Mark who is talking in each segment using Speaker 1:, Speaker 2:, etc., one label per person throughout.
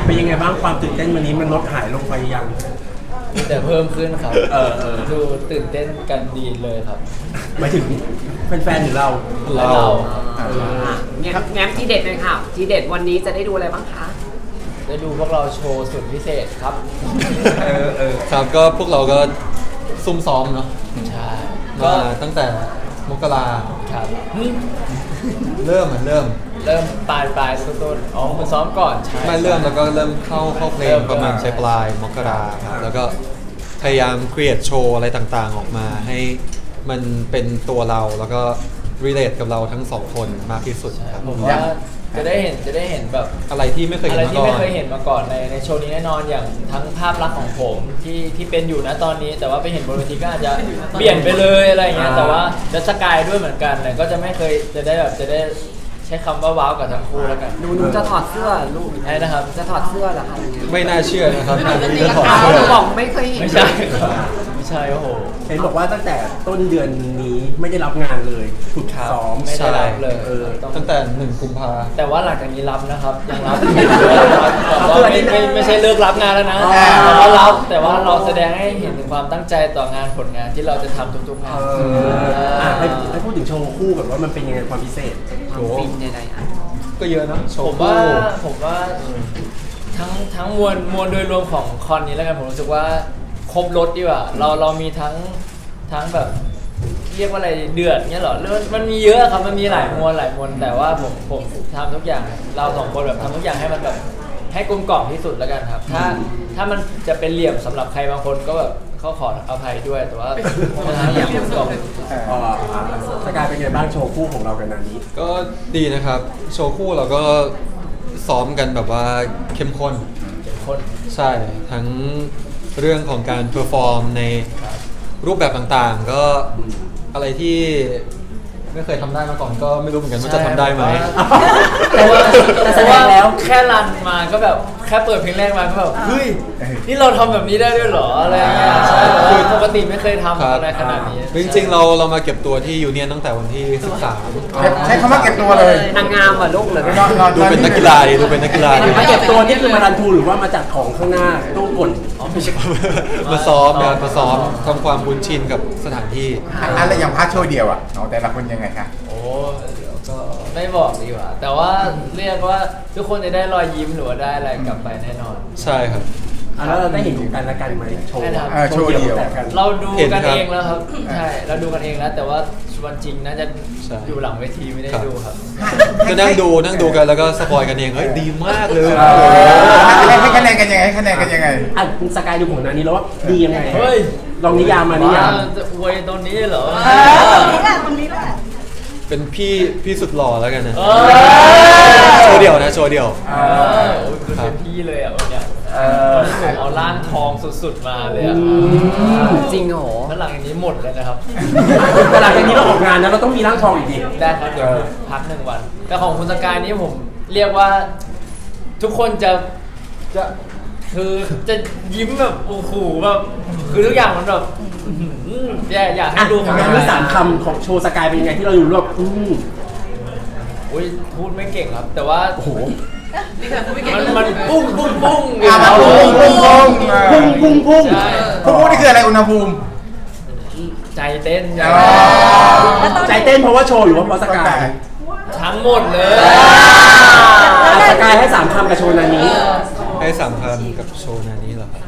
Speaker 1: เป็นยังไงบ้างความตื่นเต้นวันนี้มันลดหายลงไปยัง
Speaker 2: แต่เพิ่มขึ้นครับดูตื่นเต้นกันดีเลยครับ
Speaker 1: หมายถึงแฟนๆหรือเรา
Speaker 3: เนี่ยแง้มที่เด็ดเลยค่ะที่เด็ดวันนี้จะได้ดูอะไรบ้างคะ
Speaker 2: ได้ดูพวกเราโชว์สุดพิเศษครับ
Speaker 4: ครับก็พวกเราก็ซุ่มซ้อมเนาะ
Speaker 2: ใช่
Speaker 4: ก็ตั้งแต่มกรา
Speaker 2: ครับ
Speaker 4: เริ่ม
Speaker 2: ปลายต้นอ๋อคุณซ้อมก่อนใช่
Speaker 4: ไม่เริ่มแล้วก็เริ่มเข้าเพลงประมาณปลายมกราครับแล้วก็พยายามครีเอทโชว์อะไรต่างๆออกมาให้มันเป็นตัวเราแล้วก็ relate กับเราทั้งสองคนมากที่สุดครับ
Speaker 2: ผมว่าจะได้เห็นแบบ
Speaker 4: อะไรที่ไม่เคยเ
Speaker 2: ห็นมาก่อนในโชว์นี้แน่นอนอย่างทั้งภาพลักษณ์ของผมที่เป็นอยู่นะตอนนี้แต่ว่าไปเห็นบนเวทีก็อาจจะเปลี่ยนไปเลยอะไรเงี้ยแต่ว่าจะสกายด้วยเหมือนกันแต่ก็จะไม่เคยจะได้ใช้คำว่าว้าวกับทั้งคู่แล้วกัน
Speaker 3: หนูจะถอดเสื้อลูก
Speaker 2: ใช่นะครับ
Speaker 3: จะถอดเสื้อเหรอคะ
Speaker 4: ไม่น่าเชื่อนะครับ
Speaker 3: จะถอดเสื้อบอกไม่เคยเห็น
Speaker 2: ไม่ใช่โอ้โห
Speaker 1: เห็นบอกว่าตั้งแต่ต้นเดือนนี้ไม่ได้รับงานเลยฝึกซ้อม
Speaker 2: ไม่ได้รับเลย
Speaker 4: ตั้งแต่1 กุมภา
Speaker 2: แต่ว่าหลังจากนี้รับนะครับยังรับไม่ใช่เลิกรับงานแล้วนะแต่ว่าเราแสดงให้เห็นถึงความตั้งใจต่องานผลงานที่เราจะทำทุกๆงาน
Speaker 1: ให้พูดถึงโชว์คู่กับว่ามันเป็นยังไงความพิเศษ
Speaker 3: ความฟินยังไง
Speaker 4: ก็เยอะนะ
Speaker 2: ผมว่าทั้งมวลโดยรวมของคอนนี้แล้วกันผมรู้สึกว่าครบรถดีกว่าเรามีทั้งแบบเรียกว่าอะไรเดือดเงี้ยหรอมันมีเยอะครับมันมีหลายมวลแต่ว่าผมทำทุกอย่างเราสองคนแบบทำทุกอย่างให้มันแบบให้กลมกล่อมที่สุดแล้วกันครับถ้ามันจะเป็นเหลี่ยมสำหรับใครบางคนก็แบบเขาขออภัยด้วยแต่ว่าอย่างกลมกล่อม
Speaker 1: สกายเป็นไงบ้างโชว์คู่ของเรากันนานี้
Speaker 4: ก็ดีนะครับโชว์คู่เราก็ซ้อมกันแบบว่าเข้มข้นใช่ทั้งเรื่องของการเพอร์ฟอร์มในรูปแบบต่างๆก็อะไรที่ไม่เคยทำได้มาก่อนก็ไม่รู้เหมือนกันว่าจะทำได้ไหม
Speaker 2: แต่ว่าแล้วแค่รันมาก็แบบแค่เปิดเพลงแรกมาก็แบบเฮ้ยนี่เราทำแบบนี้ได้ด้วยเหรออะไรเงี้ยคือปกติไม่เคยทำอะไรขนาดนี้
Speaker 4: จริงๆเรามาเก็บตัวที่ยูเนียนตั้งแต่วันที่13
Speaker 5: ใช้คำว่าเก็บตัวเลย
Speaker 3: นางงามอ่ะลูกเลย
Speaker 4: ดูเป็นนักกีฬาดูเป็นนักกีฬา
Speaker 1: มาเก็บตัวนี่คือมารันทูหรือว่ามาจากของข้างหน้าตู้กด
Speaker 4: มาซ้อมทำความคุ้นชินกับสถานที่
Speaker 5: อะไรอย่างพาร์ทโชว์เดียวอ่ะแต่ละคนยังไงคะ
Speaker 2: โอ้ก็ไม่บอกดีกว่าแต่ว่าเรียกว่าทุกคนจะได้รอยยิ้มหรือว่าได้อะไรกลับไปแน่นอน
Speaker 4: ใช่ครับ
Speaker 1: แล้วเราได้เห็นกันและกันไหมโชว์
Speaker 5: เดียว
Speaker 2: เราดูกันเองแล้วครับใช่เราดูกันเองแล้วแต่ว่าวันจริงน่าจะอยู่หลังเวทีไม่ได้ดูครับ
Speaker 4: ก็นั่งดูกันแล้วก็สปอยกันเองเฮ้ยดีมากเลย
Speaker 5: ให้คะแนนกันยังไง
Speaker 1: คุณสกายดูของนานี้แล้วว่าดียังไงเฮ้ยลองนิยามมานิยาม
Speaker 2: จะอวยตรงนี้เหรอ
Speaker 6: ตรงนี้แหละ
Speaker 4: เป็นพี่สุดหล่อแล้วกันนะโชว์เดี่ยว
Speaker 2: เป็นพี่เลยอ่ะวันเนี้ยผมเอาร่างทองสุดๆมาเลยอ่ะ
Speaker 3: จริงเหรอ
Speaker 2: แล้วหลังจากนี้หมดเลยนะครับ
Speaker 1: หลังจากนี้เราออกงานแล้วเราต้องมีร่างทองอีกดี
Speaker 2: ได้ครับเดี๋ยวพัก1 วันแต่ของคุณสกายนี้ผมเรียกว่าทุกคนจะคือจะยิ้มแบบโอ้โหแบบคือทุกอย่างมันแบบอยากให้ดูของ
Speaker 1: เรา3 คำของโชว์สกายเป็นยังไงที่เราอยู่รวบ
Speaker 2: พูดไม่เก่งครับแต่ว่า
Speaker 1: โอ้โห
Speaker 2: มันปุ้ง
Speaker 5: ปุ้ง
Speaker 2: ใช่
Speaker 5: นี่คืออะไรอุณหภูมิ
Speaker 2: ใจเต้น
Speaker 1: ใจเต้นเพราะว่าโชว์หรือว่าเพราะสกาย
Speaker 2: ทั้งหมดเลย
Speaker 1: สกายให้3 คำกับโชว์นานี้
Speaker 4: ให้3 คำกับโชว์นานี้เหรอ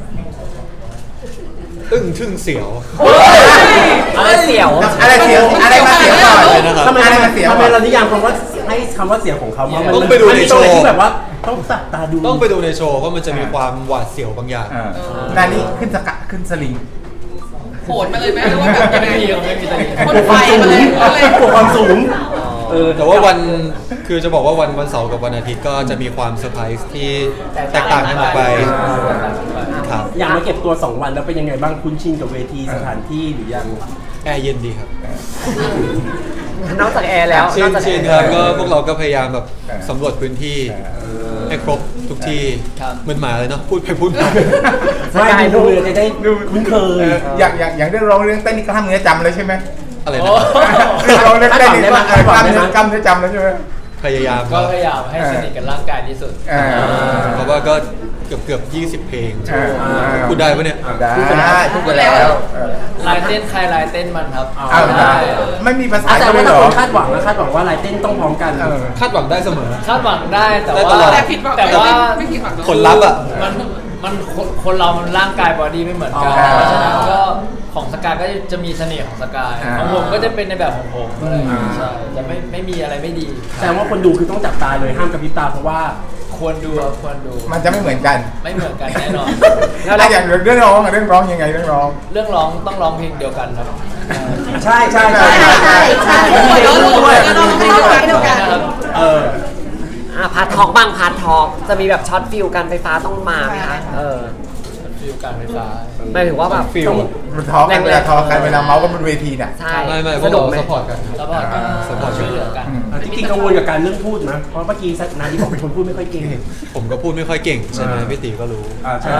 Speaker 4: อึ้งทึ่งเสียว
Speaker 3: อะไรเสียว
Speaker 5: อะไรมาเสียวก่อน
Speaker 1: ทำไมเรานิยามคำว่าให้คำว่าเสียวของเขา
Speaker 4: ต้องไปดูในโชว์
Speaker 1: ที่แบบว่าต้องจับตาดู
Speaker 4: ต้องไปดูในโชว์เพราะมันจะมีความหวาดเสียวบางอย่าง
Speaker 5: นานี้ขึ้นสลิง
Speaker 6: โหดมาเลยไหมหรือว่าแบบยังไง
Speaker 2: ไม่มีแต่
Speaker 6: คนไฟมาเลย
Speaker 1: ความสูง
Speaker 4: แต่ว่าวันคือจะบอกว่าวันเสาร์กับวันอาทิตย์ก็จะมีความเซอร์ไพรส์ที่แตกต่างกันออกไปครับ
Speaker 1: อย่างมาเก็บตัว2 วันแล้วเป็นยังไงบ้างคุ้นชินกับเวทีสถานที่หรือยัง
Speaker 4: แอร์เย็นดีครับ
Speaker 3: นอกจากแอร์แล้ว
Speaker 4: ชินครับก็พวกเราก็พยายามแบบสำรวจพื้นที่ให้ครบทุกที่เหมือนหมาเลยเนาะพูดไปพูดมา
Speaker 1: ไม่ดูเลยจะได้คุ้นเคย
Speaker 5: อย่างได้ร้องเรื่องเต้นนี่กล้ามเนื้อจำเลยใช่ไหม
Speaker 4: อะไรนะ
Speaker 5: ร้องเรื่องเต้นนี่กล้ามเนื้อจำเลยใช่ไหม
Speaker 4: พยายาม
Speaker 2: ก็พยายามให้สนิทกับร่างกายที่สุด
Speaker 4: เพราะว่าก็เกือบ20 เพลงพูดได้ปะเนี่ย
Speaker 5: ได้พูดไปแล้ว
Speaker 2: ลายเต้นใครลายเต้นมันครับ
Speaker 5: เอาได้ไม่มีภาษา
Speaker 1: แต่
Speaker 5: จะไม่
Speaker 1: ว่า
Speaker 5: หร
Speaker 1: ถ้า
Speaker 5: อ
Speaker 1: คนคาดหวังนะคาดหวังว่าลายเต้นต้องพร้อมกัน
Speaker 4: คาดหวังได้เสมอ
Speaker 2: คาดหวังได้แต่
Speaker 4: ได้
Speaker 2: ว่า
Speaker 4: ตลอด
Speaker 6: แต่ผิดหวัง
Speaker 2: แต่ว่า
Speaker 6: ไม่ผิดหวัง
Speaker 4: ผลลัพธ์อ่ะ
Speaker 2: มันคนเรามันร่างกายบอดี้ไม่เหมือนกัน เพราะฉะนั้นก็ของสกายก็จะมีเสน่ห์ของสกายของผมก็จะเป็นในแบบของผมอะไรอย่างเงี้ยใช่จะไม่มีอะไรไม่ดี
Speaker 1: แต่ว่าคนดูคือต้องจับตาเลยห้ามกระพริบตาเพราะว่า
Speaker 2: ควรดูครับควรดู
Speaker 5: มันจะไม่เหมือนกัน
Speaker 2: ไม่เหมือนกันแน่นอน
Speaker 5: แล้วอย่างเรื่องร้องยังไงเรื่องร้อง
Speaker 2: เรื่องร้องต้องร้องเพลงเดียวกันครับ
Speaker 1: ใช่ใช่
Speaker 5: ใช่ใช่
Speaker 6: ใช่เดี๋ยวรู้ด้วยก็ต้องให้เดียวกัน
Speaker 2: นะครับ
Speaker 1: เออ
Speaker 3: พาร์ททอล์กบ้างพาร์ททอล์กจะมีแบบช็อตฟิลการไฟฟ้าต้องมาไหมคะ
Speaker 2: ฟิลการไฟฟ้า
Speaker 3: หมายถึงว่าแบบ
Speaker 4: ฟิล
Speaker 5: มันทอกันเวลาทอกันเวลาเมาส์กันบนเวทีเนี่ย
Speaker 3: ใช่
Speaker 4: ไม่พ
Speaker 3: ส
Speaker 4: วก
Speaker 3: นุก
Speaker 4: เรา
Speaker 3: ไหม
Speaker 4: สปอร์ตกัน
Speaker 2: แล้วก็ช่วยเหลือกัน
Speaker 1: จริงๆกังวลกับการเรื่องพูดนะเพราะเมื่อกี้นาดีบอกเป็นคนพูดไม่ค่อยเก่ง
Speaker 4: ผมก็พูดไม่ค่อยเก่งใช่ไหมพี่ตีก็รู้
Speaker 1: ใช่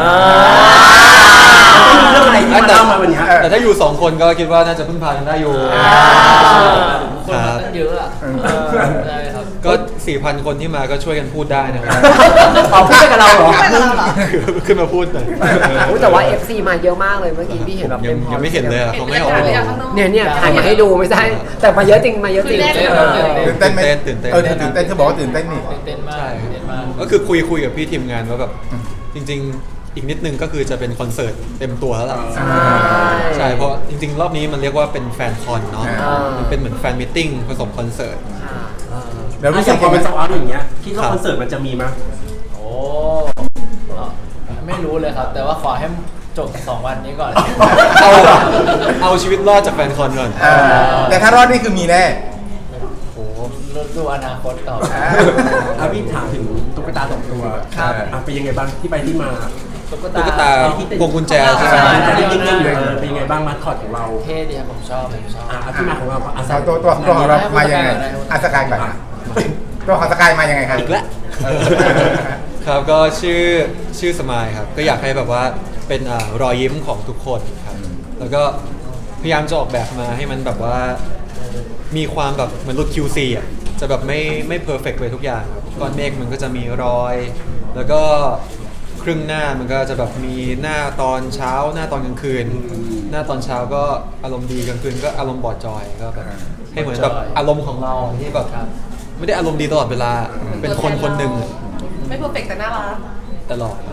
Speaker 1: เรื่องอะไรที่มาเล่ามาวันนี้
Speaker 4: แต่ถ้าอยู่2 คนก็คิดว่าน่าจะพึ่งพากันได้อยู่
Speaker 2: คนมาตั้งเยอะอ่ะใช่ครับ
Speaker 4: ก็ 4,000 คนที่มาก็ช่วยกันพูดได้นะครับ
Speaker 1: เอาพูดกับเราเหรอ
Speaker 4: ขึ้นมาพูดหน่อย
Speaker 3: อุ๊ยแต่ว่า FC มาเยอะมากเลยเมื่อกี้พี่เห็นแบบ
Speaker 4: ยังไม่เห็นเลยอะเขาไม่ให้ออก
Speaker 3: เนี่ยถ่ายมาให้ดูไม่ใช่ แต่มาเยอะจริงมาเยอะจริง
Speaker 5: ตื่นเต้นไหม
Speaker 4: ตื่นเต้น
Speaker 5: ตื่นเต้นเธอบอกว่าตื่นเต้นนี่
Speaker 2: เต้นมากเต้นมาก
Speaker 4: ก็คือคุยกับพี่ทีมงานว่าแบบจริง ๆ อีกนิดนึงก็คือจะเป็นคอนเสิร์ตเต็มตัวแล้วล่ะใช่เพราะจริง ๆ รอบนี้มันเรียกว่าเป็นแฟนคอนเนาะมันเป็นเหมือนแฟนมิทติ้งผสมคอนเสิร์ต
Speaker 5: แล้ว
Speaker 1: ถ้า
Speaker 5: รู้
Speaker 1: อ
Speaker 5: สึ
Speaker 1: ย่าก งพอเป็น
Speaker 5: ยังไง
Speaker 1: โซเอาท์อย่างเงี้ยคิดว่าคอนเสิร์ตมันจะมีมั้ย
Speaker 2: โอ้ไม่รู้เลยครับ แต่ว่าขอให้จบ2 วันนี้ก่อน
Speaker 4: เอาชีวิตรอดจากแฟนคอนก่อน
Speaker 5: แต่ถ้ารอดนี่คือมีแน่
Speaker 4: โอ้โห
Speaker 2: ดูอนาคตต่อ
Speaker 1: พี่ถามถึงตุ๊กตา2 ตัวเป็นยังไงบ้างที่ไปที่มา
Speaker 2: ตุ๊ก
Speaker 4: ตุ๊กตาพวงกุญแจใช่ไหม
Speaker 1: จะได้นิ่งๆเลยเป็นยังไงบ้างมาสคอตของเรา
Speaker 2: เท่ดีครับผมชอบ
Speaker 1: ที่มาของเรา
Speaker 5: เอาตัวของเรามายังไงสกายก่อนตัวของสกายมายังไงครับ
Speaker 4: อีกแล้วครับก็ชื่อสมายครับก็อยากให้แบบว่าเป็นรอยยิ้มของทุกคนครับแล้วก็พยายามจะออกแบบมาให้มันแบบว่ามีความแบบเหมือนรถ QC อ่ะจะแบบไม่เพอร์เฟกต์ไปทุกอย่างครับก้อนเมฆมันก็จะมีรอย แล้วก็ครึ่งหน้ามันก็จะแบบมีหน้าตอนเช้าหน้าตอนกลางคืน หน้าตอนเช้าก็อารมณ์ดีกลางคืนก็อารมณ์บอดจอยก็แบบให้เหมือนแบบอารมณ์ของเราที่แบบไม่ได้อารมณ์ดีตลอดเวลาเป็นคนคนหนึ่ง
Speaker 6: ไม่เพอร์เฟกต์แต่น่ารัก
Speaker 4: ตลอด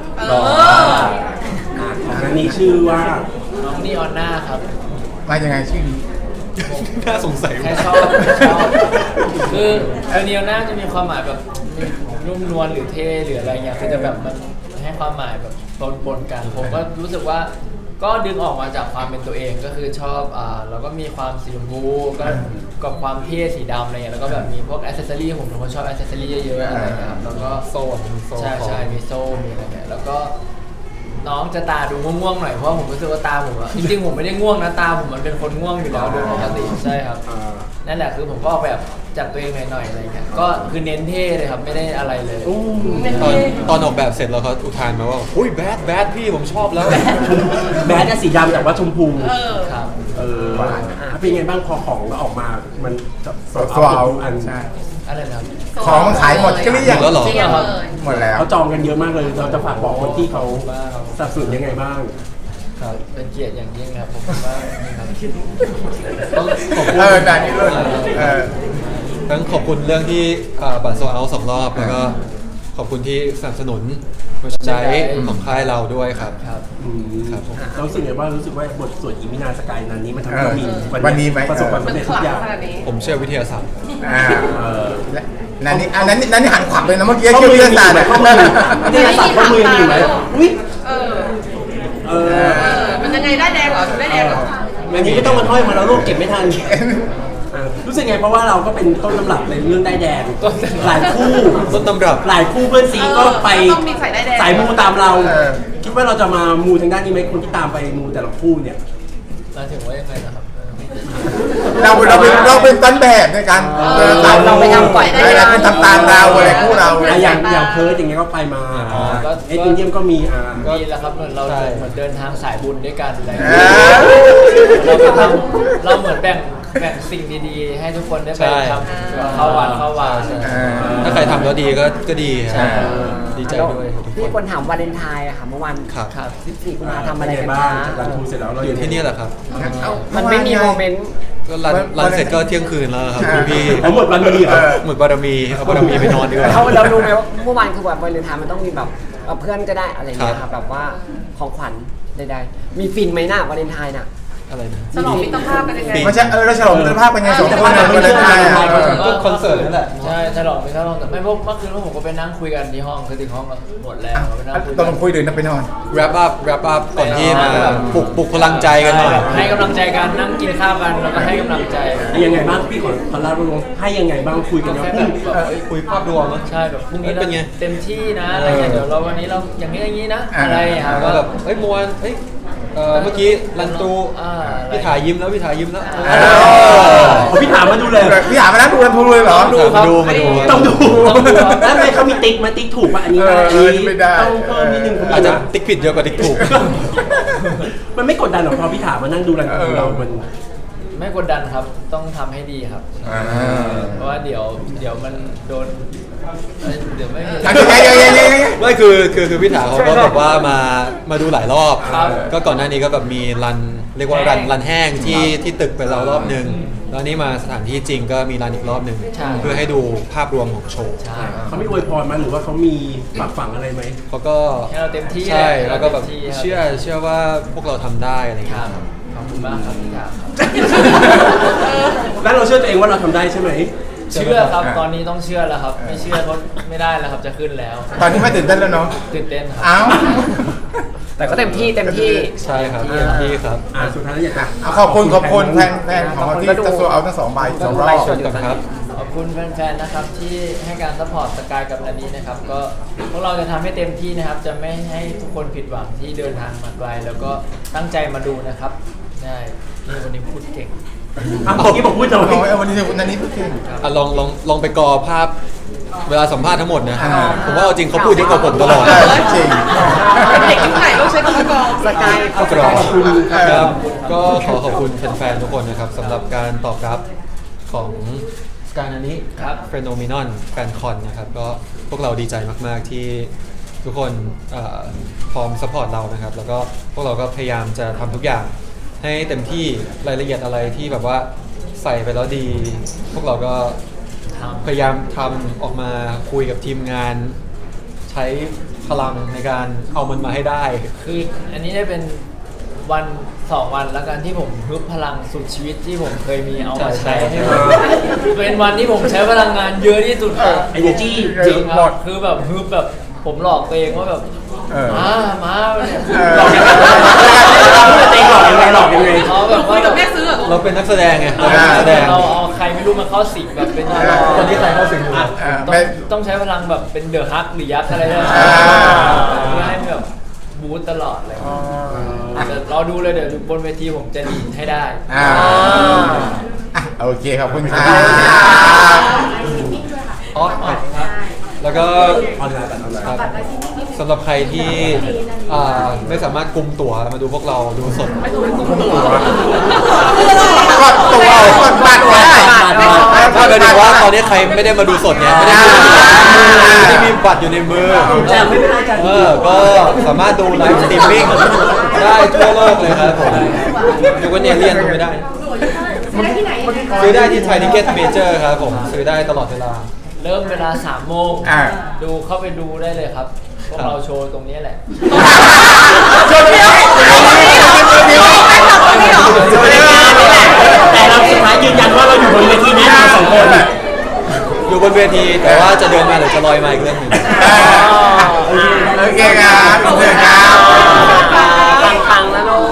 Speaker 1: ของนันนี่ชื่อว่า
Speaker 2: น้องนี่ออนหน้าครับ
Speaker 5: มายังไงชื่อนี้
Speaker 4: น่าสงสัย
Speaker 2: แค่
Speaker 4: ว่า
Speaker 2: ชอบคือเนียน่าจะมีความหมายแบบนุ่มนวลหรือเท่หรืออะไรเงี้ยคือจะแบบมันให้ความหมายแบบปนกันผมก็รู้สึกว่าก็ดึงออกมาจากความเป็นตัวเองก็คือชอบแล้วก็มีความสีชมพูก็กับความเท่สีดำอะไรเงี้ยแล้วก็แบบมีพวกแอ c เซสซอรี่ผมเป็นคนชอบแอ c เซสซอรี่เยอะๆอะไรเงี้ยครับแล้วก็โซ่ใช่มีโซ่มีอะไรเงี้ยแล้วก็น้องจะตาดูง่วงๆหน่อยเพราะผมรู้สึกว่าตาผมอะจริงๆผมไม่ได้ง่วงนะตาผมมันเป็นคนง่วงอยู่แล้วโดยปกติใช่ครับนั่นแหละคือผมก็ออกแบบจับตัวเองหน่อยๆอะไรเงี้ยก็คือเน้นเท่เลยครับไม่ได้อะไรเลย
Speaker 4: ตอนออกแบบเสร็จแล้วเขาอุทานมาว่าอุ้ยแบดพี่ผมชอบแล้ว
Speaker 1: แม้จะสีดำแต่ว่าชมพู
Speaker 2: ครับ
Speaker 1: เป็นยังไงบ้างพอของเราออกมามัน
Speaker 5: ตัวเอา
Speaker 1: อัน
Speaker 5: ใช่
Speaker 2: อะไรนะครับ
Speaker 5: ของมันขายหมดก็เรียก
Speaker 4: แล้วเหรอ
Speaker 2: จริงเหรอครับ
Speaker 5: หมดแล้ว
Speaker 1: เขาจองกันเยอะมากเลยเราจะฝากบอกคนที่เขาสนับสนุนยังไงบ้าง
Speaker 2: ครับเป็นเกียรติอย่างยิ่งครับผมว่านี่ครับ
Speaker 4: ต้องขอบคุณ
Speaker 5: แต่นี่รุ่น
Speaker 4: ทั้งขอบคุณเรื่องที่บัตรโซเอา2 รอบแล้วก็ขอบคุณที่สนับสนุนหัวใจของค่ายเราด้วยครับ
Speaker 2: ครับ
Speaker 4: ครับผม
Speaker 1: เรารู้สึกไงว่ารู้สึกว่าบทสวดอีมินาสกายนั้นนี้มันทำให้เรามี
Speaker 5: วันนี้ไหม
Speaker 1: ประสบความ
Speaker 6: มัน
Speaker 1: สำเร็จ
Speaker 6: ข
Speaker 1: ทุ
Speaker 6: ลั
Speaker 1: ก
Speaker 6: ง
Speaker 1: อย่าง
Speaker 6: ขนาดนี้
Speaker 4: ผมเชื่อวิทยาศาสตร์
Speaker 5: นั่นนี่หันขวับเลยนะเมื่อกี้
Speaker 1: ข้อ
Speaker 5: ชื่อ
Speaker 1: มือ
Speaker 5: เรื่
Speaker 1: ยั
Speaker 5: อง ง
Speaker 1: มี
Speaker 5: ศาสตร์
Speaker 1: ไหมข้อมือไม่ได้สับข้อมือยังมีไหมอุ้ย
Speaker 6: มันยังไงได้แดงเหรอได้แดงเหรอ
Speaker 1: อันนี้ไม่ต้องมาถ้อยมาแล้วลูกเก็บไม่ทันรู้สึกไงเพราะว่าเราก็เป็นต้นตำรับในเรื่องได้แดงหลายคู่
Speaker 4: ต้นตำรับ
Speaker 1: หลายคู่เพื่อนซีก็ไป
Speaker 6: ต้องมีสายได้แดง
Speaker 1: สายมูตามเรา คิดว่าเราจะมามูทางด้านนี้ไหมคนที่ตามไปมูแต่ละคู่เนี่ย
Speaker 2: เราถึงว่ายังไงนะครับ
Speaker 5: เราเป็นต้นแบบในการเราไปทำก่อนได้แล้วเป็นทำตามเราอะไรคู่เรา
Speaker 1: อย่างเพิร์ดอย่างเงี้ยก็ไปมาเอ็ดเยี่ยมก็มี
Speaker 2: มีแล้วครับเหมือนเราเหมือนเดินทางสายบุญด้วยกันอะไร
Speaker 5: เออ
Speaker 2: เราเหมือนแบ่งแบ่งสิ่งดีๆ ให้ทุกคนได้ไป
Speaker 4: ใช่
Speaker 2: ทำเข้าวัดเข้าวา
Speaker 4: ถ้าใครทำแล้วดีก็ดี
Speaker 2: ใช่
Speaker 4: ดีใจด้วยทุกค
Speaker 3: พี่
Speaker 4: น
Speaker 3: คนถามวาเลนไทน์อะค่ะเมื่อวัน
Speaker 4: ครับ
Speaker 2: ครับ
Speaker 3: 14กุมภาทำอะไร
Speaker 1: เป็น
Speaker 3: กัน
Speaker 1: ไงบ้าง
Speaker 3: คะ
Speaker 1: จากรันทูเสร็จแล้วเรา
Speaker 4: อยู่ที่นี่แหละครับ
Speaker 3: มันไม่มีโมเมนต์
Speaker 4: ก็รันเสร็จก็เที่ยงคืนแล้วครับคุณพี่
Speaker 1: ทั้งหมดวันนี้เหรอ
Speaker 4: หมดบารมีเอาบารมีไปนอนดีกว่า
Speaker 3: เรารู้ไหมว่าเมื่อวานคือแบบวาเลนไทน์มันต้องมีแบบเพื่อนก็ได้อะไรอย่างเงี้ย
Speaker 4: ครั
Speaker 3: ค่ะ
Speaker 4: บ
Speaker 3: แบบว่าของขวัญใดๆมีฟินไหมน่ะวาเลนไทน์น่ะ
Speaker 4: อะไรนะ
Speaker 6: ฉลองมิตรภาพกันยังไง
Speaker 5: ไม่ใช่เราฉลองมิตรภาพเป็นไงสองคนเนี่ยวันเลนไทน์อ่ะ
Speaker 4: ก็คอนเสิร์ตนั่นแหละ
Speaker 2: ใช่ฉลองไปฉลองแต่ไม่พวกเมื่อคืนพวกผมก็ไปนั่งคุยกันที่ห้องคือถึงห้องก็หมดแล้วไปนั่งคุย
Speaker 5: ตอนคุยเดินไปนอน
Speaker 4: wrap up ก่อนที่มาปลุกพลังใจกันหน่อย
Speaker 2: ให้กำลังใจกันนั่งกินข้าวกันแล้วก็ให้กำลังใจ
Speaker 1: ยังไงบ้างพี่ขอเล่าลงให้ยังไงบ้างคุยกัน
Speaker 2: แค่
Speaker 1: ว่า
Speaker 2: แบบ
Speaker 4: คุยภาพรวมนะ
Speaker 2: ใช่แบบพรุ่งนี้
Speaker 4: เป็นไง
Speaker 2: เต็มที่นะอะไรเงี้ยเดี๋ยวเราวันนี้เราอย่างนี้อย่างนี้นะอะไรอย่างเงี้ย
Speaker 4: ก็
Speaker 2: ก็
Speaker 4: แบบเฮ้ยมวนเฮ้ยเมื่อกี้รันตู พี่ถ่ายยิ้มแล้ว
Speaker 1: พี่ถามมาดูเลย
Speaker 5: พี่ถามมานะดูกันทูเลยเหรอ
Speaker 4: มาดู
Speaker 1: ต้องดูแล้วทำไมเขามีติ๊กมาติ๊กถูกป่ะอันนี้ได้อันนี้
Speaker 5: ไม่ได้
Speaker 1: ต้องเพิ่มนิดนึง
Speaker 4: อาจจะติ๊กผิดเยอะกว่าติ๊กถูก
Speaker 1: มันไม่กดดันหรอกพอพี่ถามมานั่งดูรันทูเรามัน
Speaker 2: ไม่กดดันครับต้องทำให้ดีครับ เพราะว่าเดี๋ยวมันโดนเดี๋ยวไม่มี
Speaker 4: ไม่คือพี่ถาเขาก็แบบว่ามาดูหลายรอบ
Speaker 2: ครับ
Speaker 4: ก็ก่อนหน้านี้ก็แบบมีเรียกว่ารันแห้งที่ตึกไปแล้วรอบหนึ่งแล้วนี่มาสถานที่จริงก็มีรันอีกรอบหนึ่งเพื่อให้ดูภาพรวมของโชว์
Speaker 2: ใช่
Speaker 1: เขาไม่อวยพรมาหรือว่าเขามีฝากฝังอะไรไหม
Speaker 4: เขาก็
Speaker 2: ให้เราเต็มที่
Speaker 4: ใช่แล้วก็แบบ
Speaker 2: เต็มที่ครับ
Speaker 4: เชื่อว่าพวกเราทำได้อะไรอย่าง
Speaker 2: ค
Speaker 4: เงี้
Speaker 2: รับ
Speaker 4: ย
Speaker 2: ขอบคุณมากครับพี่ถามครับ
Speaker 1: แล้วเราเชื่อตัวเองว่าเราทำได้ใช่ไหม
Speaker 2: เชื่อครับตอนนี้ต้องเชื่อแล้วครับ ไม่เชื่อก็ไม่ได้แล้วครับจะขึ้นแล้ว
Speaker 5: ตอนนี้ไม่ตื่นเต้นแล้วเนาะ
Speaker 2: ตื่นเต้นครั
Speaker 5: อ้าว
Speaker 3: แต่ก็เต็มที่
Speaker 4: ใช่ครับที่ครับ
Speaker 1: สุดท้ายแล้วอยากจะ
Speaker 5: ขอบคุณแฟนของเราที่จะโซเอาทั้งสองใบสองรอบ
Speaker 4: ขอบคุณครับ
Speaker 2: ขอบคุณแฟนๆนะครับที่ให้การซัพพอร์ตสกายกับอันนี้นะครับก็พวกเราจะทำให้เต็มที่นะครับ จะไม่ให้ทุกคนผิดหวังที่เดินทางมาไกลแล้วก็ตั้งใจมาดูนะครับใช่นี่วันนี้พูดเก่ง
Speaker 1: เมื่อกี้บอกพูดหน่อย
Speaker 5: วันนี้พูดจริง
Speaker 4: ลองไปกอภาพเวลาสัมภาษณ์ทั้งหมดนะ ผมว่าเอาจริงเขาพูดเยอะกว่าผมตลอด
Speaker 5: จริง
Speaker 6: เป็นเด็กยุคไหนต้องใช้คำว่ากอง
Speaker 3: สกาย
Speaker 4: ขอบคุณครับก็ขอบคุณแฟนๆทุกคนนะครับสำหรับการตอบรับของการอันนี้
Speaker 2: ครับ
Speaker 4: เฟโนมินอนแฟนคอนนะครับก็พวกเราดีใจมากๆที่ทุกคนพร้อมสปอร์ตเรานะครับแล้วก็พวกเราก็พยายามจะทำทุกอย่างให้เต็มที่รายละเอียดอะไรที่แบบว่าใส่ไปแล้วดี พวกเราก็พยายามทำออกมาคุยกับทีมงาน ใช้พลังในการเอามันมาให้ได้
Speaker 2: คืออันนี้ได้เป็นวัน2 วันแล้วกันที่ผมฮึบพลังสุดชีวิตที่ผมเคยมีเอามาใช้ให้หมดเป็นวันที่ผมใช้พลังงานเยอะที่สุดครับ
Speaker 1: energy
Speaker 2: จริงครับคือแบบฮึบแบบผมหลอกตัวเองว่าแบบมาเนี่ย
Speaker 1: หลอกยังไงเต็งหลอกยังไงหลอกยังไง
Speaker 2: เขาแบบ
Speaker 6: คุ
Speaker 2: ว่าย
Speaker 6: กับแม่ซื้อเหรอ
Speaker 4: เราเป็นนักแสดงไงเราเป็นนักแสดง
Speaker 2: เราเอาใครไม่รู้มาเข้าสิงแบบเป็น
Speaker 4: คนที่ใครเข้าสิงอยู่
Speaker 2: ต้องใช้พลังแบบเป็นเดอะฮักหรือยักษ์อะไรเนี่ยเพื่อให้แบบบูตตลอดเลยแต่รอดูเลยเดี๋ยวบนเวทีผมจะดีดให้ได้
Speaker 5: โอเคขอบคุณครับ
Speaker 4: อ๋อครับแล้วก็
Speaker 1: ออนไลน์แบบออนไลน์
Speaker 4: ครับสำหรับใครที่ไม่สามารถกุมตั๋วมาดูพวกเราดูสด
Speaker 5: กดบัตรได้
Speaker 4: ถ้าหมายถึงว่าตอนนี้ใครไม่ได้มาดูสดเนี่ยไม่ได้มีบัตรอยู่ในมือ
Speaker 1: แต่ไม่เป็นไรจ้ะ
Speaker 4: ก็สามารถดูไลฟ์สตรีมมิ่งได้ทั่วโลกเลยครับผมยกเว้นเอเลี่ยนดูไม่ได้ซื้อได้ที่ไทยทิเก็ตเมเจอร์ครับผมซื้อได้ตลอดเวลา
Speaker 2: เริ่มเวลา3 โมง ดูเข้าไปดูได้เลยครับ พวกเราโชว์ตรงนี้แหละ
Speaker 1: แต่เราสุดท้ายยืนยันว่าเราอยู่บนเวทีนี้เรา2 คน
Speaker 4: อยู่บนเวทีแต่ว่าจะเดินมาหรือจะลอยมาอีกเรื่องหนึ่ง
Speaker 5: โอเคครับขอบคุณครับ